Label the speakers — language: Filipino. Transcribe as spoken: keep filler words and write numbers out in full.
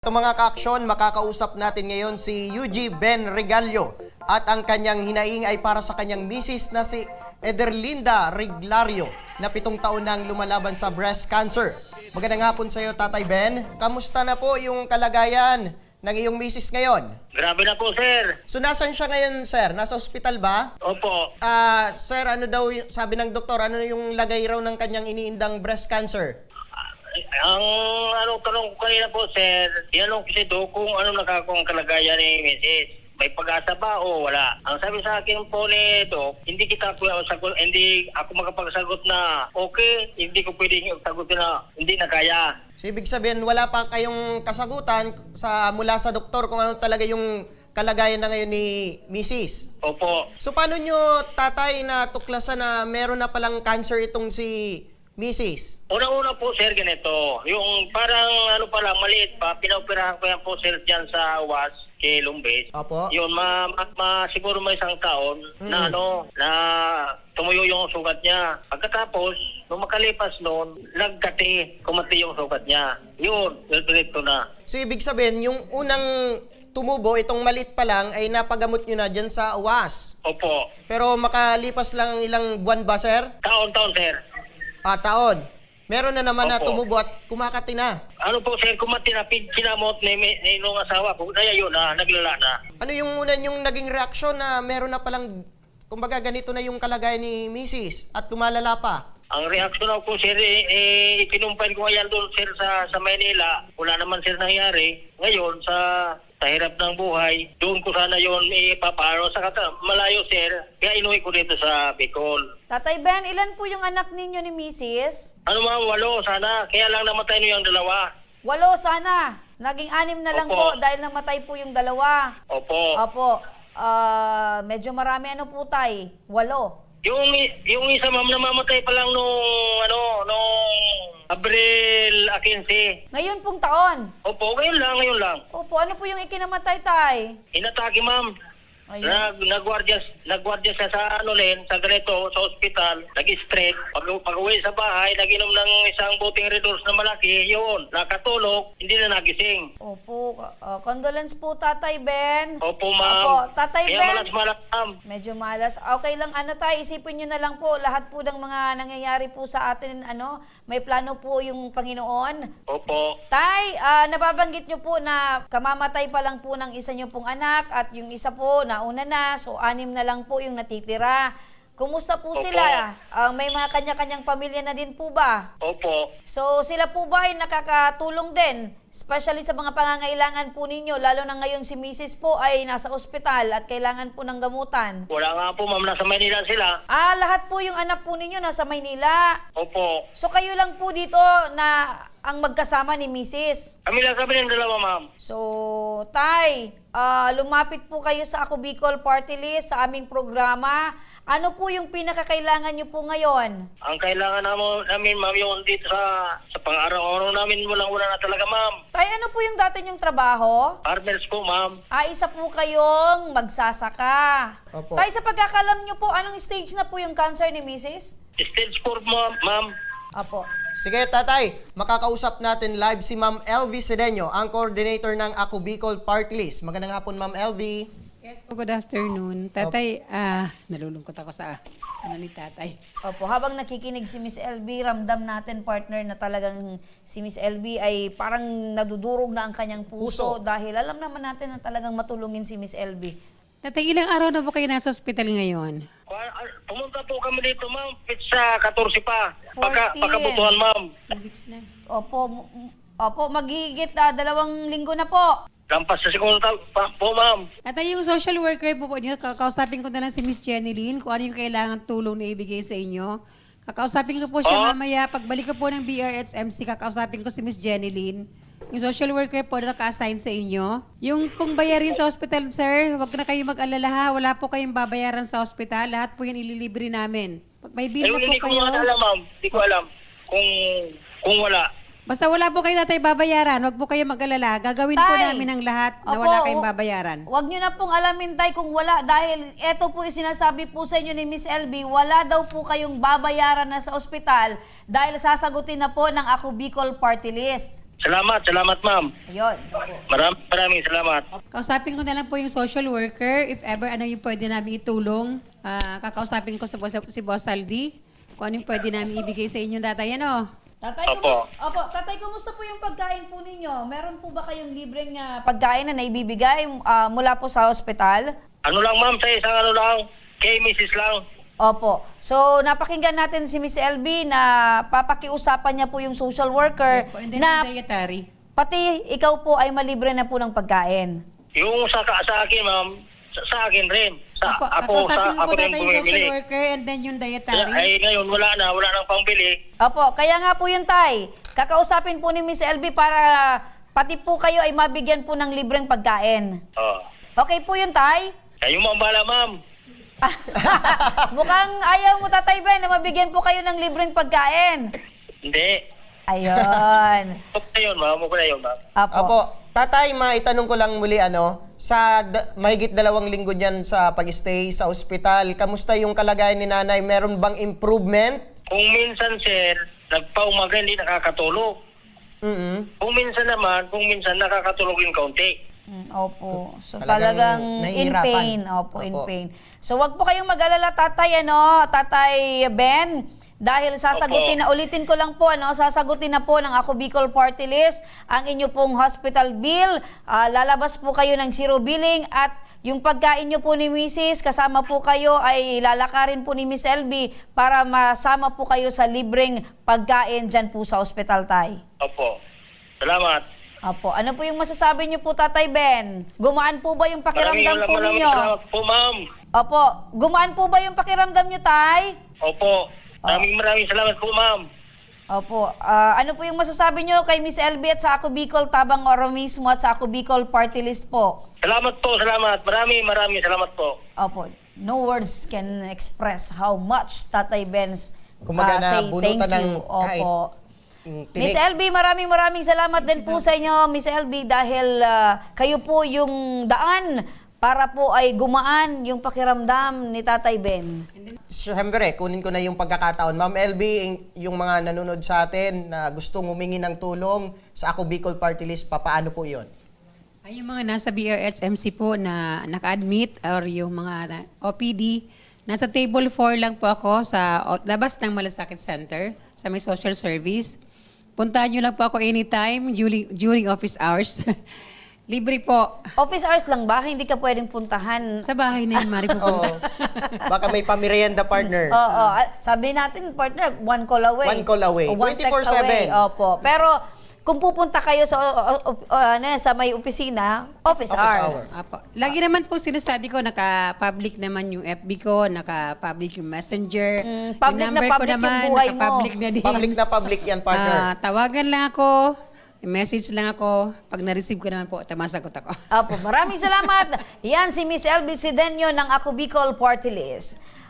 Speaker 1: Ito mga ka-aksyon, makakausap natin ngayon si Yuji Ben Regalio at ang kanyang hinaing ay para sa kanyang misis na si Ederlinda Reglario na pitong taon nang lumalaban sa breast cancer. Magandang hapon sa iyo, Tatay Ben. Kamusta na po yung kalagayan ng iyong misis ngayon?
Speaker 2: Grabe na po, sir.
Speaker 1: So, nasan siya ngayon, sir? Nasa ospital ba?
Speaker 2: Opo.
Speaker 1: Ah, sir, ano daw, y- sabi ng doktor, ano yung lagay raw ng kanyang iniindang breast cancer?
Speaker 2: Ang ano tanong ko kanina po, sir, tinanong ko si Doc kung ano nakakong kalagayan ni missus May pag-asa ba o wala? Ang sabi sa akin po ni Doc, hindi kita po sagot, hindi ako makapagsagot na okay, hindi ko pwedeng sagutin na hindi na kaya.
Speaker 1: So, ibig sabihin, wala pa kayong kasagutan sa mula sa doktor kung ano talaga yung kalagayan na ngayon ni missus
Speaker 2: Opo.
Speaker 1: So, paano nyo, tatay, na tuklasan na meron na palang cancer itong si missus?
Speaker 2: Una-una po, sir, ganito. Yung parang ano pala, maliit pa, pinaoperahan ko yan po, sir, dyan sa U A S, kay Lumbes.
Speaker 1: Opo.
Speaker 2: Yun, ma, ma, ma- siguro may isang taon na
Speaker 1: Mm.
Speaker 2: ano, na tumuyo yung sugat niya. Pagkatapos, nung makalipas noon, nagkati, kumati yung sugat niya. Yun, direkto na.
Speaker 1: So, ibig sabihin, yung unang tumubo, itong maliit pa lang, ay napagamot nyo na dyan sa U A S.
Speaker 2: Opo.
Speaker 1: Pero makalipas lang ang ilang buwan ba, sir?
Speaker 2: Taon-taon, sir.
Speaker 1: Ah, taon. Meron na naman na
Speaker 2: Opo.
Speaker 1: tumubo at kumakati na.
Speaker 2: Ano po, sir, kumati na, pin- sinamot ni, ni, ni nung asawa ko. Kaya yun na, naglala na.
Speaker 1: Ano yung una yung naging reaksyon na meron na palang, kumbaga ganito na yung kalagayan ni missus at lumalala pa?
Speaker 2: Ang reaksyon ako, sir, eh, eh ikinumpain ko ngayon doon, sir, sa, sa Maynila. Wala naman, sir, nangyari. Ngayon, sa, sa hirap ng buhay, doon ko sana yun ipapaano. Sa kata, malayo, sir, kaya inuwi ko dito sa Bicol.
Speaker 3: Tatay Ben, ilan po yung anak ninyo ni missus?
Speaker 2: Ano ma'am, walo, sana. Kaya lang namatay no yung dalawa.
Speaker 3: Walo sana. Naging anim na lang
Speaker 2: Opo.
Speaker 3: po dahil namatay po yung dalawa.
Speaker 2: Opo.
Speaker 3: Opo. Ah, medyo marami ano po tay? Walo.
Speaker 2: Yung, yung isa, ma'am, namamatay pa lang nung, ano, nung Abril quince.
Speaker 3: Ngayon pong taon.
Speaker 2: Opo, ngayon lang, ngayon lang.
Speaker 3: Opo, ano po yung ikinamatay tay?
Speaker 2: Inatake, ma'am.
Speaker 3: Ayun.
Speaker 2: Nag nagwardya nagwardya siya sa ano rin, sa ganito, sa ospital, nag-straight. Pag, pag uwi sa bahay, naginom ng isang buting redox na malaki, yun, nakatulog, hindi na nagising.
Speaker 3: Opo, ah, condolence po Tatay Ben.
Speaker 2: Opo, ma'am.
Speaker 3: Opo, Tatay
Speaker 2: Kaya
Speaker 3: Ben.
Speaker 2: malas-malas, ma'am.
Speaker 3: Medyo malas. Okay lang ano tay, isipin nyo na lang po lahat po ng mga nangyayari po sa atin, ano, may plano po yung Panginoon.
Speaker 2: Opo.
Speaker 3: Tay, ah, nababanggit nyo po na kamamatay pa lang po ng isa nyo pong anak at yung isa po nauna na, so anim na lang po yung natitira. Kumusta po
Speaker 2: Opo.
Speaker 3: sila? Ah, may mga kanya-kanyang pamilya na din po ba?
Speaker 2: Opo.
Speaker 3: So sila po ba ay nakakatulong din? Especially sa mga pangangailangan po ninyo, lalo na ngayon si missus po ay nasa ospital at kailangan po ng gamutan.
Speaker 2: Wala nga po, ma'am. Nasa Maynila sila.
Speaker 3: Ah, lahat po yung anak po ninyo nasa Maynila.
Speaker 2: Opo.
Speaker 3: So kayo lang po dito na ang magkasama ni missus.
Speaker 2: Kami lang kami ng dalawa, ma'am.
Speaker 3: So, Tay, ah, lumapit po kayo sa Ako Bicol Party List sa aming programa. Ano po yung pinakakailangan nyo po ngayon?
Speaker 2: Ang kailangan namin, namin ma'am, yung dito sa, sa pang-araw-araw namin, walang-wala na talaga, ma'am.
Speaker 3: Tay, ano po yung dati nyong trabaho?
Speaker 2: Farmers po, ma'am.
Speaker 3: Ah, isa po kayong magsasaka.
Speaker 1: Opo.
Speaker 3: Tay, sa pagkakalam nyo po, anong stage na po yung cancer ni missus?
Speaker 2: Stage four, ma'am. ma'am.
Speaker 3: Apo.
Speaker 1: Sige, tatay, makakausap natin live si Ma'am L V Sedeño, ang coordinator ng Ako Bicol Party List. Magandang hapon, Ma'am L V.
Speaker 4: Yes po, good afternoon. Tatay, ah, nalulungkot ako sa ano ni tatay.
Speaker 3: Opo, habang nakikinig si Miss L B, ramdam natin, partner, na talagang si Miss L B ay parang nadudurog na ang kanyang puso,
Speaker 1: Puso.
Speaker 3: dahil alam naman natin na talagang matulungin si Miss L B.
Speaker 4: Tatay, ilang araw na po kayo nasa ospital ngayon?
Speaker 2: Kwa- ah, Pumunta po kami dito, ma'am. Pizza, fourteen pa. Pagka,
Speaker 3: fourteen.
Speaker 2: pagkabutuhan, ma'am.
Speaker 4: Two weeks na.
Speaker 3: Opo, m- m- opo, magigit ah, dalawang linggo na po.
Speaker 2: Lampas sa segundo ta- pa, po, ma'am.
Speaker 4: Tatay, yung social worker po po niyo, kakausapin ko na lang si Miss Jenny Lynn kung ano yung kailangan tulong na ibigay sa inyo. Kakausapin ko po siya
Speaker 2: Oh.
Speaker 4: mamaya. Pagbalik ko po ng B R H M C, kakausapin ko si Miss Jenny Lynn. Yung social worker po na naka-assign sa inyo. Yung pong bayarin sa hospital, sir, wag na kayo mag-alala ha. Wala po kayong babayaran sa hospital. Lahat po yan ililibre namin. Pag may bill
Speaker 2: Ayun,
Speaker 4: na po
Speaker 2: hindi ko
Speaker 4: kayo,
Speaker 2: nga alam, ma'am. Hindi ko alam kung kung wala.
Speaker 4: Basta wala po kayo tatay babayaran, wag po kayo mag-alala. Gagawin po
Speaker 3: Tay.
Speaker 4: namin ang lahat na
Speaker 3: Opo,
Speaker 4: wala kayong
Speaker 3: hu-
Speaker 4: babayaran.
Speaker 3: Huwag nyo na pong alamin, Tay, kung wala. Dahil eto po yung sinasabi po sa inyo ni Miss L B, wala daw po kayong babayaran na sa ospital dahil sasagutin na po ng Ako Bicol Party List.
Speaker 2: Salamat, salamat ma'am.
Speaker 3: Ayun.
Speaker 2: Maraming maraming salamat.
Speaker 4: Kausapin ko na lang po yung social worker. If ever ano yung pwede namin itulong, ah, kakausapin ko sa boss, si Boss Aldi kung ano yung pwede namin ibigay sa inyo tatay. Ano?
Speaker 3: Tatay,
Speaker 2: Opo.
Speaker 3: kumusta, opo, tatay, kumusta po yung pagkain po ninyo? Meron po ba kayong libreng ah, pagkain na naibibigay ah, mula po sa ospital?
Speaker 2: Ano lang ma'am, sa isang ano lang, kay missus lang.
Speaker 3: Opo. So, napakinggan natin si Miss L B na papakiusapan niya po yung social worker
Speaker 4: Yes po. And then
Speaker 3: na
Speaker 4: yung dietary.
Speaker 3: pati ikaw po ay malibre na po ng pagkain.
Speaker 2: Yung sa, sa akin ma'am, sa, sa akin rin. Sa,
Speaker 4: Opo,
Speaker 2: ako, sa,
Speaker 4: kakausapin ko
Speaker 2: ako
Speaker 4: po
Speaker 2: rin
Speaker 4: tatay yung social
Speaker 2: bumibili.
Speaker 4: worker and then yung dietary.
Speaker 2: Ay ngayon, wala na, wala nang pangbili.
Speaker 3: Opo, kaya nga po yun, Tay. Kakausapin po ni Miss L B para pati po kayo ay mabigyan po ng libreng pagkain.
Speaker 2: Oh.
Speaker 3: Okay po yun, Tay?
Speaker 2: Kayo mo ang bala ma'am.
Speaker 3: Mukhang ayaw mo, Tatay Ben, na mabigyan po kayo ng libreng pagkain.
Speaker 2: Hindi.
Speaker 3: Ayun.
Speaker 2: Huwag na yun ma'am, huwag na yun ma'am.
Speaker 3: Apo.
Speaker 1: Apo, tatay, maitanong ko lang muli ano, sa da- mahigit dalawang linggo niyan sa pag-stay sa ospital, kamusta yung kalagayan ni nanay? Meron bang improvement?
Speaker 2: Kung minsan sir, nagpaumaga hindi nakakatulog.
Speaker 1: mm
Speaker 2: Kung minsan naman, kung minsan nakakatulog yung kaunti.
Speaker 3: Mm, opo. So
Speaker 1: Talagang
Speaker 3: talagang, in
Speaker 1: nahihirapan.
Speaker 3: pain. Opo, in
Speaker 1: Opo.
Speaker 3: pain. So wag po kayong mag-alala, Tatay, ano, Tatay Ben. Dahil sasagutin na, ulitin ko lang po, ano, sasagutin na po ng Ako Bicol Party List ang inyo pong hospital bill. Ah, lalabas po kayo ng zero billing at yung pagkain nyo po ni Missus kasama po kayo ay lalakarin po ni Miss L B para masama po kayo sa libreng pagkain dyan po sa hospital, Tay.
Speaker 2: Opo. Salamat.
Speaker 3: Opo. Ano po yung masasabi niyo po, Tatay Ben? Gumaan po ba yung pakiramdam
Speaker 2: Maraming
Speaker 3: po
Speaker 2: maraming
Speaker 3: ninyo?
Speaker 2: salamat po ma'am.
Speaker 3: Opo. Gumaan po ba yung pakiramdam niyo, Tay?
Speaker 2: Opo. Maraming maraming salamat po ma'am.
Speaker 3: Opo. Ah, ano po yung masasabi niyo kay Miss L B at sa Ako Bicol Tabang Oro mismo at sa Ako Bicol Party List po?
Speaker 2: Salamat po, salamat. Maraming maraming salamat po.
Speaker 3: Opo. No words can express how much Tatay Ben's
Speaker 1: Kumbaga
Speaker 3: ah,
Speaker 1: na
Speaker 3: say
Speaker 1: bunutan
Speaker 3: thank
Speaker 1: ng
Speaker 3: you.
Speaker 1: kahit
Speaker 3: Opo.
Speaker 1: yung
Speaker 3: Miss
Speaker 1: tinik.
Speaker 3: L B, maraming maraming salamat din po sa inyo, Miss L B, dahil ah, kayo po yung daan para po ay gumaan yung pakiramdam ni Tatay Ben.
Speaker 1: Siyempre, kunin ko na yung pagkakataon. Ma'am L B, yung mga nanonood sa atin na gustong humingi ng tulong sa Ako Bicol Party List, papaano po yun?
Speaker 4: Ay, yung mga nasa B R S M C po na naka-admit or yung mga O P D, nasa table four lang po ako sa o- labas ng Malasakit Center sa may social service. Puntahan nyo lang po ako anytime during, during office hours. Libre po.
Speaker 3: Office hours lang ba? Hindi ka pwedeng puntahan.
Speaker 4: Sa bahay na yun, Mari,
Speaker 1: Oo.
Speaker 4: pupunta.
Speaker 1: Baka may pamerienda partner.
Speaker 3: Oo, ah, sabi natin, partner, one call away.
Speaker 1: One call away.
Speaker 3: O one text
Speaker 1: twenty-four seven.
Speaker 3: away. Opo. Pero kung pupunta kayo sa o- o- o- ano, sa may opisina, office,
Speaker 1: Office
Speaker 3: hours.
Speaker 1: hour.
Speaker 4: Apo. Lagi naman po sinasabi ko, naka-public naman yung F B ko, naka-public yung messenger.
Speaker 3: Mm, public
Speaker 4: yung
Speaker 3: na
Speaker 4: number ko
Speaker 3: public yung
Speaker 4: naman,
Speaker 3: buhay mo.
Speaker 4: naka-public na din.
Speaker 1: Public na public yan,
Speaker 4: Ah,
Speaker 1: partner.
Speaker 4: tawagan lang ako, message lang ako. Pag na-receive ko naman po, tamasagot ako.
Speaker 3: Opo, maraming salamat. Yan si Miss L B Sidenio ng Ako Bicol Party List.